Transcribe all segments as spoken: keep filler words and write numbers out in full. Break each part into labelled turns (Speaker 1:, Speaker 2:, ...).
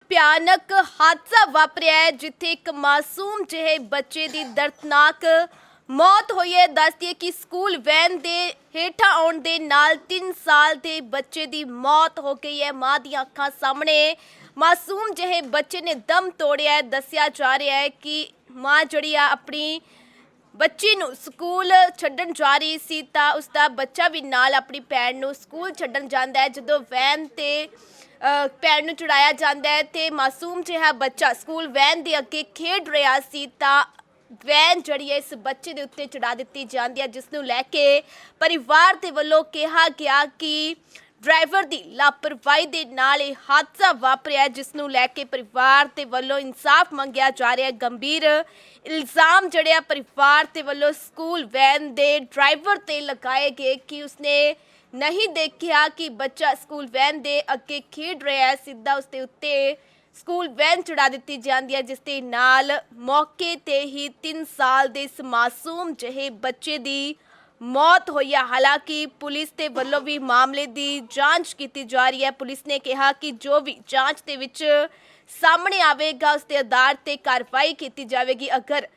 Speaker 1: ਭਿਆਨਕ ਹਾਦਸਾ ਵਾਪਰਿਆ ਹੈ ਜਿੱਥੇ ਇੱਕ ਮਾਸੂਮ ਜਿਹੇ ਬੱਚੇ ਦੀ ਦਰਦਨਾਕ ਮੌਤ ਹੋਈ ਹੈ। ਦੱਸਦੀ ਹੈ ਕਿ ਸਕੂਲ ਵੈਨ ਦੇ ਹੇਠਾਂ ਆਉਣ ਦੇ ਨਾਲ ਤਿੰਨ ਸਾਲ ਦੇ ਬੱਚੇ ਦੀ ਮੌਤ ਹੋ ਗਈ ਹੈ। ਮਾਂ ਦੀਆਂ ਅੱਖਾਂ ਸਾਹਮਣੇ ਮਾਸੂਮ ਜਿਹੇ ਬੱਚੇ ਨੇ ਦਮ ਤੋੜਿਆ ਹੈ। ਦੱਸਿਆ ਜਾ ਰਿਹਾ ਹੈ ਕਿ ਮਾਂ ਜਿਹੜੀ ਆ ਆਪਣੀ ਬੱਚੀ ਨੂੰ ਸਕੂਲ ਛੱਡਣ ਜਾ ਰਹੀ ਸੀ ਤਾਂ ਉਸਦਾ ਬੱਚਾ ਵੀ ਨਾਲ ਆਪਣੀ ਭੈਣ ਨੂੰ ਸਕੂਲ ਛੱਡਣ ਜਾਂਦਾ ਹੈ। ਜਦੋਂ ਵੈਨ ਤੇ ਭੈਣ ਨੂੰ ਚੜਾਇਆ ਜਾਂਦਾ ਹੈ ਤੇ ਮਾਸੂਮ ਜਿਹਾ ਬੱਚਾ ਸਕੂਲ ਵੈਨ ਦੇ ਅੱਗੇ ਖੇਡ ਰਿਹਾ ਸੀ ਤਾਂ ਵੈਨ ਜਿਹੜੀ ਹੈ ਇਸ ਬੱਚੇ ਦੇ ਉੱਤੇ ਚੜਾ ਦਿੱਤੀ ਜਾਂਦੀ ਹੈ, ਜਿਸ ਨੂੰ ਲੈ ਕੇ ਪਰਿਵਾਰ ਦੇ ਵੱਲੋਂ ਕਿਹਾ ਗਿਆ ਕਿ ਡਰਾਈਵਰ ਦੀ ਲਾਪਰਵਾਹੀ ਦੇ ਨਾਲ ਇਹ ਹਾਦਸਾ ਵਾਪਰਿਆ, ਜਿਸ ਨੂੰ ਲੈ ਕੇ ਪਰਿਵਾਰ ਦੇ ਵੱਲੋਂ ਇਨਸਾਫ ਮੰਗਿਆ ਜਾ ਰਿਹਾ ਹੈ। ਗੰਭੀਰ ਇਲਜ਼ਾਮ ਜਿਹੜੇ ਆ ਪਰਿਵਾਰ ਦੇ ਵੱਲੋਂ ਸਕੂਲ ਵੈਨ ਦੇ ਡਰਾਈਵਰ ਤੇ ਲਗਾਏ ਗਏ ਕਿ ਉਸਨੇ ਨਹੀਂ ਦੇਖਿਆ ਕਿ ਬੱਚਾ ਸਕੂਲ ਵੈਨ ਦੇ ਅੱਗੇ ਖੇਡ ਰਿਹਾ ਹੈ। ਸਿੱਧਾ ਉਸਦੇ ਉੱਤੇ ਸਕੂਲ ਵੈਨ ਚੜਾ ਦਿੱਤੀ ਜਾਂਦੀ ਹੈ, ਜਿਸ ਦੇ ਨਾਲ ਮੌਕੇ ਤੇ ਹੀ ਤਿੰਨ ਸਾਲ ਦੇ ਇਸ ਮਾਸੂਮ ਜਿਹੇ ਬੱਚੇ ਦੀ ਮੌਤ ਹੋਈ ਹੈ। ਹਾਲਾਂਕਿ ਪੁਲਿਸ ਦੇ ਵੱਲੋਂ ਵੀ ਮਾਮਲੇ ਦੀ ਜਾਂਚ ਕੀਤੀ ਜਾ ਰਹੀ ਹੈ। ਪੁਲਿਸ ਨੇ ਕਿਹਾ ਕਿ ਜੋ ਵੀ ਜਾਂਚ ਦੇ ਵਿੱਚ ਸਾਹਮਣੇ ਆਵੇਗਾ ਉਸ ਦੇ ਆਧਾਰ ਤੇ ਕਾਰਵਾਈ ਕੀਤੀ ਜਾਵੇਗੀ। ਅਗਰ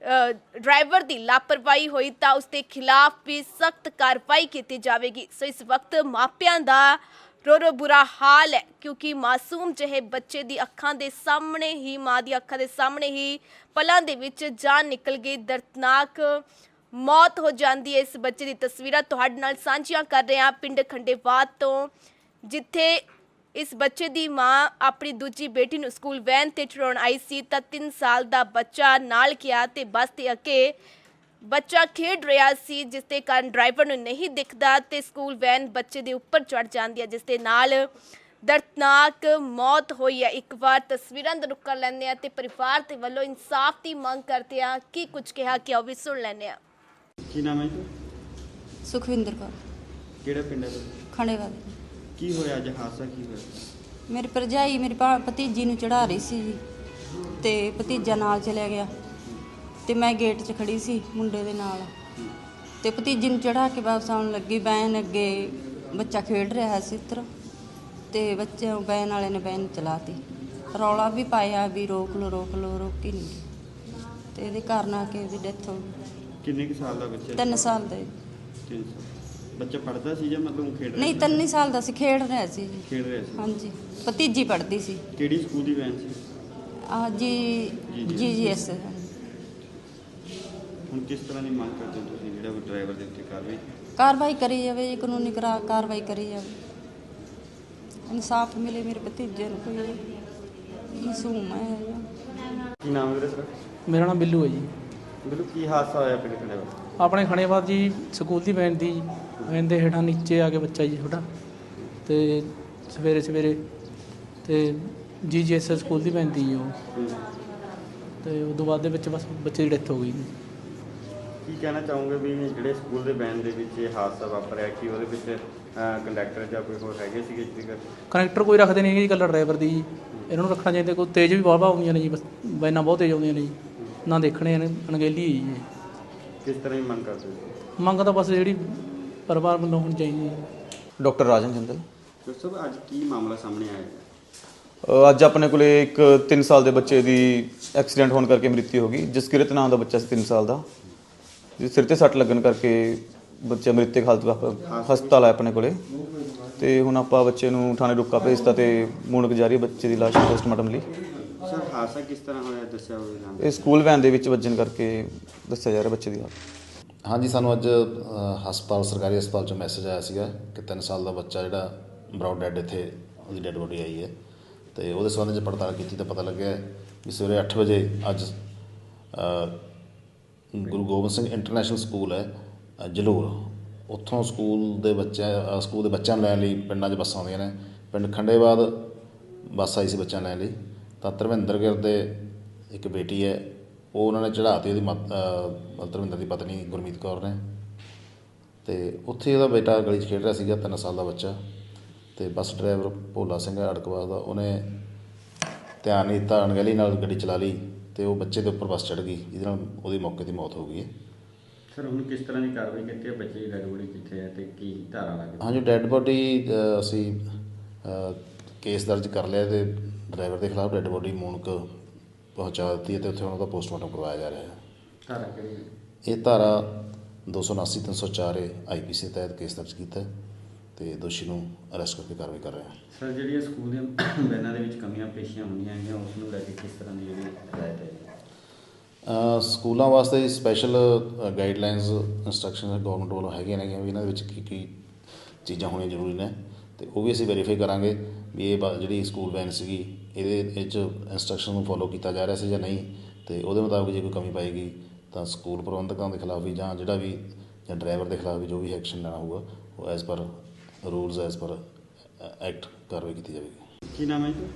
Speaker 1: ਡਰਾਈਵਰ ਦੀ ਲਾਪਰਵਾਹੀ ਹੋਈ ਤਾਂ ਉਸ ਦੇ ਖਿਲਾਫ ਵੀ ਸਖਤ ਕਾਰਵਾਈ ਕੀਤੀ ਜਾਵੇਗੀ। ਸੋ ਇਸ ਵਕਤ ਮਾਪਿਆਂ ਦਾ ਰੋ ਰੋ ਬੁਰਾ ਹਾਲ ਹੈ, ਕਿਉਂਕਿ ਮਾਸੂਮ ਜਿਹੇ ਬੱਚੇ ਦੀ ਅੱਖਾਂ ਦੇ ਸਾਹਮਣੇ ਹੀ ਮਾਂ ਦੀ ਅੱਖਾਂ ਦੇ ਸਾਹਮਣੇ ਹੀ ਪਲਾਂ ਦੇ ਵਿੱਚ ਜਾਨ ਨਿਕਲ ਗਈ, ਦਰਦਨਾਕ ਮੌਤ ਹੋ ਜਾਂਦੀ ਹੈ। ਇਸ ਬੱਚੇ ਦੀ ਤਸਵੀਰਾਂ ਤੁਹਾਡੇ ਨਾਲ ਸਾਂਝੀਆਂ ਕਰ ਰਹੇ ਹਾਂ ਪਿੰਡ ਖੰਡੇਵਾਦ ਤੋਂ, ਜਿੱਥੇ ਇਸ ਬੱਚੇ ਦੀ ਮਾਂ ਆਪਣੀ ਦੂਜੀ ਬੇਟੀ ਨੂੰ ਸਕੂਲ ਵੈਨ ਤੇ ਚੜਾਉਣ ਆਈ ਸੀ ਤਾਂ ਤਿੰਨ ਸਾਲ ਦਾ ਬੱਚਾ ਨਾਲ ਗਿਆ ਤੇ ਬੱਸ ਦੇ ਅੱਗੇ ਬੱਚਾ ਖੇਡ ਰਿਹਾ ਸੀ, ਜਿਸ ਦੇ ਕਾਰਨ ਡਰਾਈਵਰ ਨੂੰ ਨਹੀਂ ਦਿਖਦਾ ਤੇ ਸਕੂਲ ਵੈਨ ਬੱਚੇ ਦੇ ਉੱਪਰ ਚੜ ਜਾਂਦੀ ਹੈ, ਜਿਸ ਦੇ ਨਾਲ ਦਰਦਨਾਕ ਮੌਤ ਹੋਈ ਹੈ। ਇੱਕ ਵਾਰ ਤਸਵੀਰਾਂ ਦਾ ਰੁੱਖ ਕਰ ਲੈਂਦੇ ਆ ਤੇ ਪਰਿਵਾਰ ਦੇ ਵੱਲੋਂ ਇਨਸਾਫ ਦੀ ਮੰਗ ਕਰਦੇ ਆ ਕੀ ਕੁਝ ਕਿਹਾ ਕਿ ਉਹ ਵੀ ਸੁਣ ਲੈਂਦੇ ਆ।
Speaker 2: ਕੀ ਨਾਮ ਹੈ ਜੀ?
Speaker 3: ਸੁਖਵਿੰਦਰ ਕੌਰ।
Speaker 2: ਕਿਹੜਾ ਪਿੰਡ ਹੈ?
Speaker 3: ਖੰਡੇਵਾਲ।
Speaker 2: ਕੀ ਹੋਇਆ ਅੱਜ? ਹਾਦਸਾ ਕੀ ਹੋਇਆ?
Speaker 3: ਮੇਰੀ ਭਰਜਾਈ ਮੇਰੀ ਭਾ- ਭਤੀਜੀ ਨੂੰ ਚੜਾ ਰਹੀ ਸੀ ਜੀ ਤੇ ਭਤੀਜਾ ਨਾਲ ਚਲਿਆ ਗਿਆ ਤੇ ਮੈਂ ਗੇਟ 'ਚ ਖੜੀ ਸੀ ਮੁੰਡੇ ਦੇ ਨਾਲ ਤੇ ਭਤੀਜੀ ਨੂੰ ਚੜਾ ਕੇ ਵਾਪਸ ਆਉਣ ਲੱਗੀ। ਵੈਨ ਅੱਗੇ ਬੱਚਾ ਖੇਡ ਰਿਹਾ ਸੀ ਉੱਤਰ ਤੇ ਬੱਚੇ ਵੈਨ ਵਾਲੇ ਨੇ ਵੈਨ ਚਲਾਤੀ। ਰੌਲਾ ਵੀ ਪਾਇਆ ਵੀ ਰੋਕ ਲਓ ਰੋਕ ਲਓ, ਰੋਕੀ ਨਹੀਂ ਤੇ ਇਹਦੇ ਕਾਰਨ ਆ ਕੇ ਉਹਦੀ ਡੈਥ ਹੋ ਗਈ।
Speaker 2: ਕਿੰਨੇ ਕੁ ਸਾਲ ਦਾ ਬੱਚਾ?
Speaker 3: ਤਿੰਨ ਸਾਲ ਦਾ ਜੀ।
Speaker 2: ਤਿੰਨ ਸਾਲ। ਬੱਚਾ ਪੜ੍ਹਦਾ ਸੀ ਜਾਂ ਮਤਲਬ ਖੇਡ ਰਿਹਾ
Speaker 3: ਨਹੀਂ,
Speaker 2: ਸੀ?
Speaker 3: ਤਿੰਨ ਹੀ ਸਾਲ ਦਾ ਸੀ, ਖੇਡ ਰਿਹਾ ਸੀ ਜੀ।
Speaker 2: ਖੇਡ ਰਿਹਾ ਸੀ।
Speaker 3: ਹਾਂਜੀ, ਭਤੀਜੀ ਪੜ੍ਹਦੀ ਸੀ।
Speaker 2: ਕਿਹੜੀ ਸਕੂਲ ਦੀ ਵੈਨ ਸੀ?
Speaker 3: ਆ ਜੀ ਜੀ ਜੀ ਐਸ।
Speaker 2: ਹੁਣ ਕਿਸ ਤਰ੍ਹਾਂ ਦੀ ਮੰਗ ਕਰਦੇ ਹੋ ਤੁਸੀਂ ਜਿਹੜਾ ਉਹ ਡਰਾਈਵਰ ਦੇ ਉੱਤੇ ਕਾਰਵਾਈ?
Speaker 3: ਕਾਰਵਾਈ ਕਰੀ ਜਾਵੇ ਜੀ, ਕਾਨੂੰਨੀ ਕਰਾ ਕਾਰਵਾਈ ਕਰੀ ਜਾਵੇ, ਇਨਸਾਫ ਮਿਲੇ ਮੇਰੇ ਭਤੀਜੇ ਨੂੰ। ਕੋਈ ਮਾਸੂਮ ਹੈ।
Speaker 2: ਕੀ ਨਾਮ ਹੈ ਤੇਰਾ?
Speaker 4: ਮੇਰਾ ਨਾਮ ਬਿੱਲੂ ਹੈ ਜੀ।
Speaker 2: ਬਿਲਕੁਲ। ਕੀ ਹਾਦਸਾ ਹੋਇਆ ਪਿੰਡ ਖੰਡੇਵਾਲ?
Speaker 4: ਆਪਣੇ ਖੰਡੇਵਾਦ ਜੀ ਸਕੂਲ ਦੀ ਵੈਨ ਦੀ ਵੈਨ ਦੇ ਹੇਠਾਂ ਨੀਚੇ ਆ ਕੇ ਬੱਚਾ ਜੀ ਛੋਟਾ ਤੇ ਸਵੇਰੇ ਸਵੇਰੇ ਤੇ ਜੀ ਜੀ ਐਸ ਸਕੂਲ ਦੀ ਵੈਨ ਦੀ ਜੀ ਉਹ ਤੇ ਉਸ ਤੋਂ ਬਾਅਦ ਦੇ ਵਿੱਚ ਬਸ ਬੱਚੇ ਦੀ ਡੈਥ ਹੋ ਗਈ ਜੀ।
Speaker 2: ਕੀ ਕਹਿਣਾ ਚਾਹੋਗੇ ਵੀ ਜਿਹੜੇ ਸਕੂਲ ਦੇ ਵੈਨ ਦੇ ਵਿੱਚ ਇਹ ਹਾਦਸਾ ਵਾਪਰਿਆ, ਕਿ ਉਹਦੇ ਵਿੱਚ ਕੰਡਕਟਰ ਜਾਂ ਕੋਈ ਹੋਰ ਹੈਗੇ ਸੀਗੇ?
Speaker 4: ਕਨੈਕਟਰ ਕੋਈ ਰੱਖਦੇ ਨਹੀਂ ਜੀ, ਇਕੱਲਾ ਡਰਾਈਵਰ ਦੀ ਜੀ। ਇਹਨਾਂ ਨੂੰ ਰੱਖਣਾ ਚਾਹੀਦਾ। ਕੋਈ ਤੇਜ਼ ਵੀ ਵਾਹਵਾ ਆਉਂਦੀਆਂ ਨੇ ਜੀ, ਬਸ ਵੈਨਾਂ ਬਹੁਤ ਤੇਜ਼ ਆਉਂਦੀਆਂ ਨੇ ਜੀ, ਨਾ ਦੇਖਣੇ ਨੇ ਅਣਗਹਿਲੀ ਹੈ ਜੀ।
Speaker 2: ਕਿਸ ਤਰ੍ਹਾਂ ਦੀ ਮੰਗ ਕਰਦੇ ਹੋ?
Speaker 4: ਮੰਗ ਤਾਂ ਬਸ ਜਿਹੜੀ ਪਰਿਵਾਰ ਵੱਲੋਂ ਹੋਣੀ ਚਾਹੀਦੀ ਹੈ।
Speaker 5: ਡਾਕਟਰ ਰਾਜਨ ਜਿੰਦਲ।
Speaker 2: ਡਾਕਟਰ ਸਾਹਿਬ, ਅੱਜ ਕੀ ਮਾਮਲਾ ਸਾਹਮਣੇ ਆਇਆ ਹੈ?
Speaker 5: ਅ, ਅੱਜ ਆਪਣੇ ਕੋਲੇ ਇੱਕ ਤਿੰਨ ਸਾਲ ਦੇ ਬੱਚੇ ਦੀ ਐਕਸੀਡੈਂਟ ਹੋਣ ਕਰਕੇ ਮ੍ਰਿਤੂ ਹੋ ਗਈ। ਜਸਕਿਰਤ ਨਾਮ ਦਾ ਬੱਚਾ ਸੀ ਤਿੰਨ ਸਾਲ ਦਾ, ਜਿਸ ਸਿਰ ਤੇ ਸੱਟ ਲੱਗਣ ਕਰਕੇ ਬੱਚਾ ਮ੍ਰਿਤਕ ਹਾਲਤ ਵਿੱਚ ਹਸਪਤਾਲ ਆਇਆ ਆਪਣੇ ਕੋਲੇ ਤੇ ਹੁਣ ਆਪਾਂ ਬੱਚੇ ਨੂੰ ਥਾਣੇ ਰੁੱਕਾ ਭੇਜਤਾ ਤੇ ਮੁਣਕ ਜਾਰੀ ਬੱਚੇ ਦੀ ਲਾਸ਼ ਪੋਸਟਮਾਰਟਮ ਲਈ।
Speaker 2: ਸਰ, ਹਾਦਸਾ ਕਿਸ ਤਰ੍ਹਾਂ ਹੋਇਆ ਦੱਸਿਆ ਹੋਵੇਗਾ?
Speaker 5: ਇਹ ਸਕੂਲ ਵੈਨ ਦੇ ਵਿੱਚ ਵੱਜਣ ਕਰਕੇ ਦੱਸਿਆ ਜਾ ਰਿਹਾ ਬੱਚੇ ਦੀ ਹਾਲਤ।
Speaker 6: ਹਾਂਜੀ, ਸਾਨੂੰ ਅੱਜ ਅ, ਹਸਪਤਾਲ ਸਰਕਾਰੀ ਹਸਪਤਾਲ 'ਚੋਂ ਮੈਸੇਜ ਆਇਆ ਸੀਗਾ ਕਿ ਤਿੰਨ ਸਾਲ ਦਾ ਬੱਚਾ ਜਿਹੜਾ ਬਰਾਊਡ ਡੈਡ ਇੱਥੇ ਉਹਦੀ ਡੈਡ ਬੋਡੀ ਆਈ ਹੈ ਤੇ ਉਹਦੇ ਸੰਬੰਧ 'ਚ ਪੜਤਾਲ ਕੀਤੀ ਤਾਂ ਪਤਾ ਲੱਗਿਆ ਵੀ ਸਵੇਰੇ ਅੱਠ ਵਜੇ ਅੱਜ ਅ, ਗੁਰੂ ਗੋਬਿੰਦ ਸਿੰਘ ਇੰਟਰਨੈਸ਼ਨਲ ਸਕੂਲ ਹੈ ਅ, ਜਲੂਰ, ਉੱਥੋਂ ਸਕੂਲ ਦੇ ਬੱਚਿਆਂ ਸਕੂਲ ਦੇ ਬੱਚਿਆਂ ਨੂੰ ਲੈਣ ਲਈ ਪਿੰਡਾਂ 'ਚ ਬੱਸਾਂ ਆਉਂਦੀਆਂ ਨੇ। ਪਿੰਡ ਖੰਡੇਵਾਦ ਬੱਸ ਆਈ ਸੀ ਬੱਚਿਆਂ ਲੈਣ ਲਈ ਤਾਂ ਧਰਮਿੰਦਰ ਗਿਰ ਦੇ ਇੱਕ ਬੇਟੀ ਹੈ, ਉਹ ਉਹਨਾਂ ਨੇ ਚੜ੍ਹਾਤੀ ਉਹਦੀ ਮਤ ਧਰਮਿੰਦਰ ਦੀ ਪਤਨੀ ਗੁਰਮੀਤ ਕੌਰ ਨੇ ਤੇ ਉੱਥੇ ਉਹਦਾ ਬੇਟਾ ਗਲੀ 'ਚ ਖੇਡ ਰਿਹਾ ਸੀਗਾ, ਤਿੰਨ ਸਾਲ ਦਾ ਬੱਚਾ, ਤੇ ਬੱਸ ਡਰਾਈਵਰ ਭੋਲਾ ਸਿੰਘ ਅੜਕਵਾਸ ਦਾ, ਉਹਨੇ ਧਿਆਨ ਨਹੀਂ ਦਿੱਤਾ, ਅਣਗਹਿਲੀ ਨਾਲ ਗੱਡੀ ਚਲਾ ਲਈ ਤੇ ਉਹ ਬੱਚੇ ਦੇ ਉੱਪਰ ਬੱਸ ਚੜ੍ਹ ਗਈ, ਜਿਹਦੇ ਨਾਲ ਉਹਦੀ ਮੌਕੇ 'ਤੇ ਮੌਤ ਹੋ ਗਈ ਹੈ।
Speaker 2: ਸਰ, ਹੁਣ ਕਿਸ ਤਰ੍ਹਾਂ ਦੀ ਕਾਰਵਾਈ ਕੀਤੀ ਹੈ? ਬੱਚੇ ਦੀ ਡੈਡ ਬੋਡੀ ਕਿੱਥੇ ਹੈ ਤੇ ਕੀ ਧਾਰਾ ਲੱਗ ਰਹੀ?
Speaker 6: ਹਾਂਜੀ, ਡੈਡ ਬੋਡੀ ਅਸੀਂ ਕੇਸ ਦਰਜ ਕਰ ਲਿਆ ਤੇ ਡਰਾਈਵਰ ਦੇ ਖਿਲਾਫ ਡੈੱਡ ਬੋਡੀ ਮੂਣਕ ਪਹੁੰਚਾ ਦਿੱਤੀ ਹੈ ਤੇ ਉੱਥੇ ਉਹਨਾਂ ਦਾ ਪੋਸਟਮਾਰਟਮ ਕਰਵਾਇਆ ਜਾ ਰਿਹਾ ਹੈ।
Speaker 2: ਧਾਰਾ ਕਿਹੜੀ?
Speaker 6: ਇਹ ਧਾਰਾ ਦੋ ਸੌ ਉਨਾਸੀ ਤਿੰਨ ਸੌ ਚਾਰ ਏ ਆਈ ਪੀ ਸੀ ਤਹਿਤ ਕੇਸ ਦਰਜ ਕੀਤਾ ਹੈ ਤੇ ਦੋਸ਼ੀ ਨੂੰ ਅਰੈਸਟ ਕਰਕੇ ਕਾਰਵਾਈ ਕਰ ਰਹੇ ਹਾਂ।
Speaker 2: ਸਰ, ਜਿਹੜੀਆਂ ਸਕੂਲ ਦੀਆਂ ਵੈਨਾਂ ਦੇ ਵਿੱਚ ਕਮੀਆਂ ਪੇਸ਼ੀਆਂ ਹੁੰਦੀਆਂ ਹੈਗੀਆਂ ਉਸ ਨੂੰ ਲੈ ਕੇ ਕਿਸ ਤਰ੍ਹਾਂ ਦੀ ਜਿਹੜੀ ਹਦਾਇਤ ਹੈ?
Speaker 6: ਅ, ਸਕੂਲਾਂ ਵਾਸਤੇ ਸਪੈਸ਼ਲ ਗਾਈਡਲਾਈਨਸ ਇੰਸਟਰਕਸ਼ਨ ਗਵਰਨਮੈਂਟ ਵੱਲੋਂ ਹੈਗੀਆਂ ਨੇ ਵੀ ਇਹਨਾਂ ਦੇ ਵਿੱਚ ਕੀ ਕੀ ਚੀਜ਼ਾਂ ਹੋਣੀਆਂ ਜ਼ਰੂਰੀ ਨੇ ਤੇ ਉਹ ਵੀ ਅਸੀਂ ਵੈਰੀਫਾਈ ਕਰਾਂਗੇ ਵੀ ਇਹ ਬ- ਜਿਹੜੀ ਸਕੂਲ ਵੈਨ ਸੀਗੀ ਇਹਦੇ ਇਹ 'ਚ ਇੰਸਟਰਕਸ਼ਨ ਨੂੰ ਫੋਲੋ ਕੀਤਾ ਜਾ ਰਿਹਾ ਸੀ ਜਾਂ ਨਹੀਂ, ਤੇ ਉਹਦੇ ਮੁਤਾਬਕ ਜੇ ਕੋਈ ਕਮੀ ਪਾਏਗੀ ਤਾਂ ਸਕੂਲ ਪ੍ਰਬੰਧਕਾਂ ਦੇ ਖਿਲਾਫ ਵੀ ਜਾਂ ਜਿਹੜਾ ਵੀ ਜਾਂ ਡਰਾਈਵਰ ਦੇ ਖਿਲਾਫ ਵੀ ਜੋ ਵੀ ਐਕਸ਼ਨ ਲੈਣਾ ਹੋਊਗਾ ਉਹ as per rules as per act ਕਾਰਵਾਈ ਕੀਤੀ ਜਾਵੇਗੀ।
Speaker 2: ਕੀ ਨਾਮ ਹੈ ਜੀ?